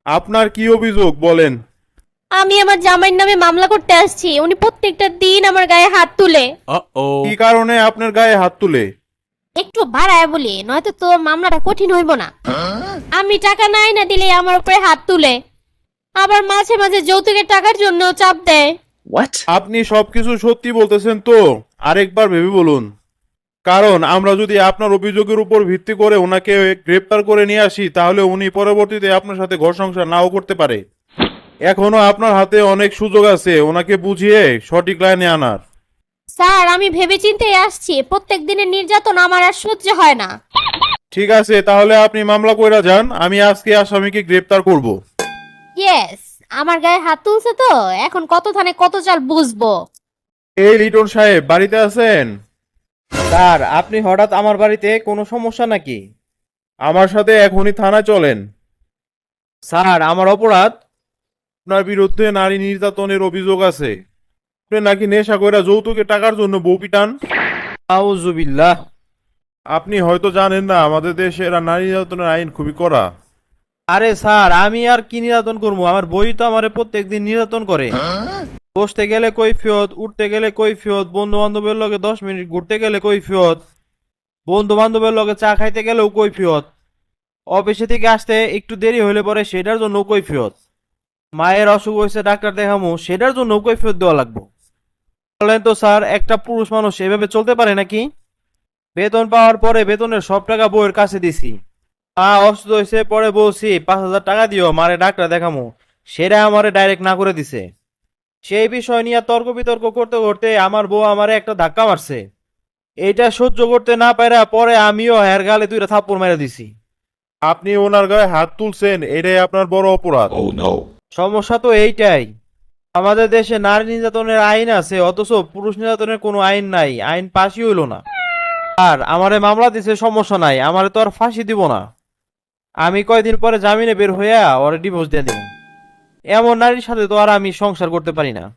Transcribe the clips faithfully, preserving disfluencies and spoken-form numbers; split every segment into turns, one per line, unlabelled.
আপনার কি অভিযোগ বলেন?
আমি আমার জামাইয়ের নামে মামলা করতে আসছি। উনি প্রত্যেকটা দিন আমার গায়ে হাত তুলে।
কি কারণে আপনার গায়ে হাত তুলে?
একটু বাড়ায় বলি, নয়তো তো মামলাটা কঠিন হইব না। আমি টাকা নাই না দিলে আমার উপরে হাত তুলে, আবার মাঝে মাঝে যৌতুকের টাকার জন্য চাপ দেয়।
আপনি সবকিছু সত্যি বলতেছেন তো? আরেকবার ভেবে বলুন। কারণ আমরা যদি আপনার অভিযোগের উপর ভিত্তি করে ওনাকে গ্রেপ্তার করে নিয়ে আসি, তাহলে উনি পরবর্তীতে আপনার সাথে ঘর সংসার নাও করতে পারে। এখনো আপনার হাতে অনেক সুযোগ আছে ওনাকে বুঝিয়ে সঠিক লাইনে আনার।
স্যার, আমি ভেবে চিন্তে আসছি, প্রত্যেক দিনের নির্যাতন আমার আর সহ্য হয় না।
ঠিক আছে, তাহলে আপনি মামলা কইরা যান, আমি আজকে আসামিকে গ্রেপ্তার করব।
ইয়েস, আমার গায়ে হাত তুলছে তো এখন কত থানে কত চাল বুঝবো।
এই লিটন সাহেব বাড়িতে আছেন?
স্যার, আপনি হঠাৎ আমার বাড়িতে কোনো সমস্যা নাকি?
আমার সাথে এখনই থানায় চলেন।
স্যার, আমার অপরাধ?
আপনার বিরুদ্ধে নারী নির্যাতনের অভিযোগ আছে। আপনি নাকি নেশা কইরা যৌতুকে টাকার জন্য বউ পিটান।
আউযুবিল্লাহ।
আপনি হয়তো জানেন না আমাদের দেশে এরা নারী নির্যাতনের আইন খুবই কড়া।
আরে স্যার, আমি আর কি নির্যাতন করবো? আমার বই তো আমারে প্রত্যেকদিন নির্যাতন করে। বসতে গেলে কৈফিয়ত, উঠতে গেলে কৈফিয়ত, বন্ধু বান্ধবের লগে দশ মিনিট ঘুরতে গেলে কৈফিয়ত, বন্ধু বান্ধবের লগে চা খাইতে গেলেও কৈফিয়ত, অফিসে থেকে আসতে একটু দেরি হলে পরে সেটার জন্য কৈফিয়ত, মায়ের অসুখ হয়েছে ডাক্তার দেখামো সেটার জন্য কৈফিয়ত দেওয়া লাগবে। বলেন তো স্যার, একটা পুরুষ মানুষ এভাবে চলতে পারে নাকি? বেতন পাওয়ার পরে বেতনের সব টাকা বউয়ের কাছে দিছি। মা অসুস্থ হয়েছে, পরে বলছি পাঁচ হাজার টাকা দিও মারে ডাক্তার দেখামো, সেটা আমারে ডাইরেক্ট না করে দিছে। সেই বিষয় নিয়ে তর্ক বিতর্ক করতে করতে আমার বউ আমারে একটা ধাক্কা মারছে। এইটা সহ্য করতে না পারা পরে আমিও হের গালে দুইটা থাপ্পড় মেরে দিছি।
আপনি ওনার গায়ে হাত তুলছেন, এটাই আপনার বড় অপরাধ।
সমস্যা তো এইটাই, আমাদের দেশে নারী নির্যাতনের আইন আছে অথচ পুরুষ নির্যাতনের কোনো আইন নাই, আইন পাশই হইল না। আর আমারে মামলা দিছে, সমস্যা নাই, আমারে তো আর ফাঁসি দিব না। আমি কয়দিন পরে জামিনে বের হইয়া ওরে ডিভোর্স দিয়ে দিব। এমন নারীর সাথে তো আর আমি সংসার করতে পারি না।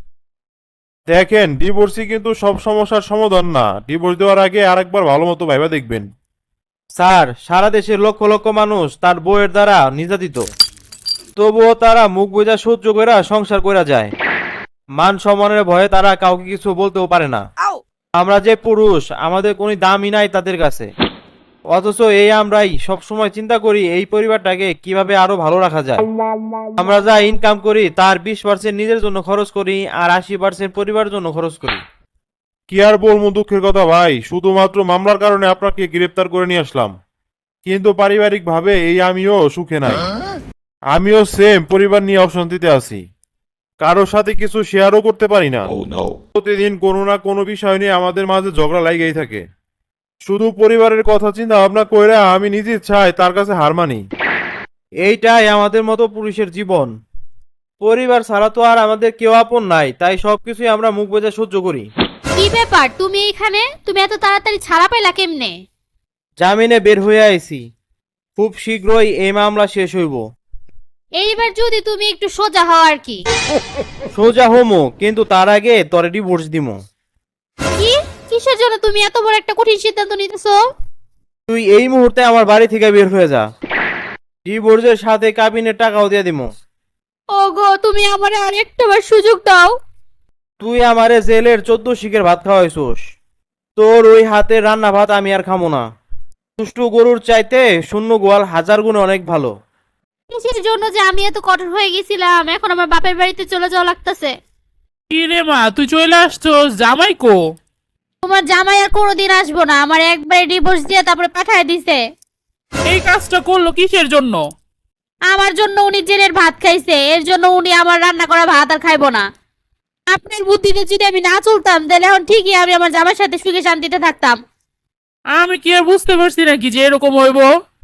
দেখেন, ডিভোর্সই কিন্তু সব সমস্যার সমাধান না। ডিভোর্স দেওয়ার আগে আরেকবার ভালো মতো ভাইবা দেখবেন।
স্যার, সারা দেশের লক্ষ লক্ষ মানুষ তার বউয়ের দ্বারা নির্যাতিত, তবুও তারা মুখ বোঝা সহ্য কইরা সংসার কইরা যায়। মান সম্মানের ভয়ে তারা কাউকে কিছু বলতেও পারে না। আমরা যে পুরুষ, আমাদের কোনো দামই নাই তাদের কাছে। অথচ এই আমরাই সবসময় চিন্তা করি এই পরিবারটাকে কিভাবে আরো ভালো রাখা যায়। আমরা যা ইনকাম করি তার বিশ পার্সেন্ট নিজের জন্য খরচ করি আর আশি পার্সেন্ট পরিবারের জন্য খরচ করি।
কি আর বলবো দুঃখের কথা ভাই, শুধুমাত্র মামলার কারণে আপনাকে গ্রেপ্তার করে নিয়ে আসলাম, কিন্তু পারিবারিক ভাবে এই আমিও সুখে নাই। আমিও সেম পরিবার নিয়ে অশান্তিতে আছি, কারোর সাথে কিছু শেয়ারও করতে পারি না। প্রতিদিন কোনো না কোনো বিষয় নিয়ে আমাদের মাঝে ঝগড়া লাগেই থাকে। শুধু পরিবারের কথা চিন্তা ভাবনা কইরা আমি নিজে চাই তার কাছে হার মানি।
এইটাই আমাদের মতো পুরুষের জীবন। পরিবার ছাড়া তো আর আমাদের কেউ আপন নাই, তাই সবকিছুই আমরা মুখ বোঝা সহ্য করি।
কি ব্যাপার, তুমি এইখানে? তুমি এত তাড়াতাড়ি ছাড়া পাইলা কেমনে?
জামিনে বের হয়ে আইছি, খুব শীঘ্রই এই মামলা শেষ হইব।
এইবার যদি তুমি একটু সোজা হও আর কি।
সোজা হোমো, কিন্তু তার আগে তোরে ডিভোর্স দিমো।
কি? কিসের জন্য তুমি এত বড় একটা কঠিন সিদ্ধান্ত নিতেছো?
তুই এই মুহূর্তে আমার বাড়ি থেকে বের হয়ে যা, ডিভোর্সের সাথে কাবিনের টাকাও দিয়ে দিমো।
ওগো, তুমি আমারে আরেকটা বার সুযোগ দাও।
তুই আমারে জেলের চোদ্দ শিখের ভাত খাওয়াইছোস, তোর ওই হাতের রান্না ভাত আমি আর খামো না। সুষ্ঠু গরুর চাইতে শূন্য গোয়াল হাজার গুণ অনেক ভালো।
কিসের জন্য যে আমি এত কঠোর হয়ে গেছিলাম, এখন আমার বাপের বাড়িতে চলে যাওয়া লাগতেছে।
কি রে মা, তুই চলে আসছস? জামাই কো?
তোমার জামাই আর কোনোদিন আসবো না, আমার একবারে ডিভোর্স দিয়ে তারপরে পাঠায় দিছে।
এই কাজটা করলো কিসের জন্য?
আমার জন্য উনি জেলের ভাত খাইছে, এর জন্য উনি আমার রান্না করা ভাত আর খাইবো না। আপনার বুদ্ধিতে যদি আমি না চলতাম তাহলে এখন ঠিকই আমি আমার জামাইয়ের সাথে সুখে শান্তিতে থাকতাম।
আমি কি আর বুঝতে পারছি নাকি যে এরকম হইব?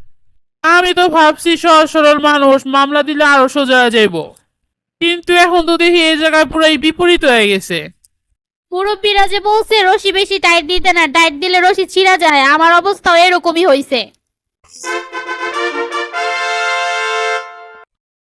আমি তো ভাবছি সহজ সরল মানুষ, মামলা দিলে আরো সোজা হয়ে যাইব, কিন্তু এখন তো দেখি এই জায়গায় পুরাই বিপরীত হয়ে গেছে।
মুরব্বীরা যে বলছে রশি বেশি টাইট দিতে না, টাইট দিলে রশি ছিঁড়া যায়, আমার অবস্থাও এরকমই হয়েছে।